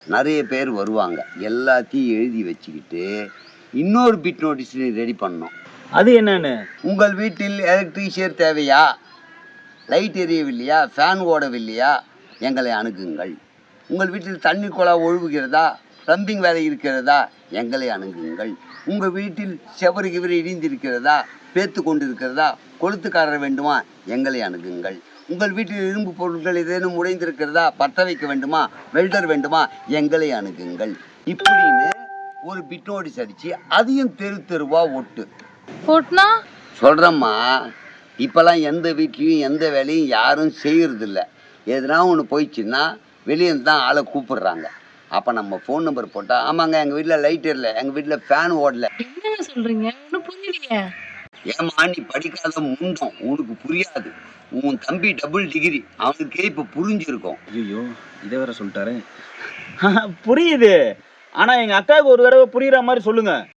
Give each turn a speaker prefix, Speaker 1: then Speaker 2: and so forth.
Speaker 1: நிறைய பேர் வருவாங்க. எல்லாத்தையும் எழுதி வச்சுக்கிட்டு இன்னொரு பிட் நோட்டீஸ் ரெடி பண்ணோம்.
Speaker 2: அது என்னன்னு?
Speaker 1: உங்கள் வீட்டில் எலக்ட்ரீஷியர் தேவையா, லைட் எரியவில்லையா, ஃபேன் ஓடவில்லையா, எங்களை அணுகுங்கள். உங்கள் வீட்டில் தண்ணி குழாய் ஒழுகுகிறதா, ப்ளம்பிங் வேலை இருக்கிறதா, எங்களை அணுகுங்கள். உங்கள் வீட்டில் செவரு கிவரு இடிந்திருக்கிறதா, பேத்து கொண்டு இருக்கிறதா, கொளுத்துக்காரர் வேண்டுமா, எங்களை அணுகுங்கள். உங்கள் வீட்டில் இரும்பு பொருட்கள் ஏதேனும் உடைந்திருக்கிறதா, பற்ற வைக்க வேண்டுமா, வெல்டர் வேண்டுமா, எங்களை அணுகுங்கள். இப்படின்னு ஒரு பிட் நோட்டீஸ் அடித்து அதையும் தெரு தெருவா ஒட்டு
Speaker 3: போட்டுனா
Speaker 1: சொல்கிறேம்மா. இப்போல்லாம் எந்த வீட்லேயும் எந்த வேலையும் யாரும் செய்கிறதில்ல. எதுனா ஒன்று போயிடுச்சுன்னா வெளியே தான் ஆளை கூப்பிடுறாங்க. அப்போ நம்ம ஃபோன் நம்பர் போட்டால், ஆமாங்க எங்கள் வீட்டில் லைட் எரியல, எங்கள் வீட்டில் ஃபேன் ஓடல.
Speaker 3: என்ன சொல்றீங்க? ஒன்றும் புரியலையே.
Speaker 1: ஏம்மா நீ படிக்காத முண்டம், உனக்கு புரியாது. உன் தம்பி டபுள் டிகிரி, அவனுக்கே இப்போ புரிஞ்சிருக்கும்.
Speaker 2: ஐயோ, இதை வேற சொல்லிட்டாரு. புரியுது, ஆனா எங்க அக்காவுக்கு ஒரு தடவை புரியுற மாதிரி சொல்லுங்க.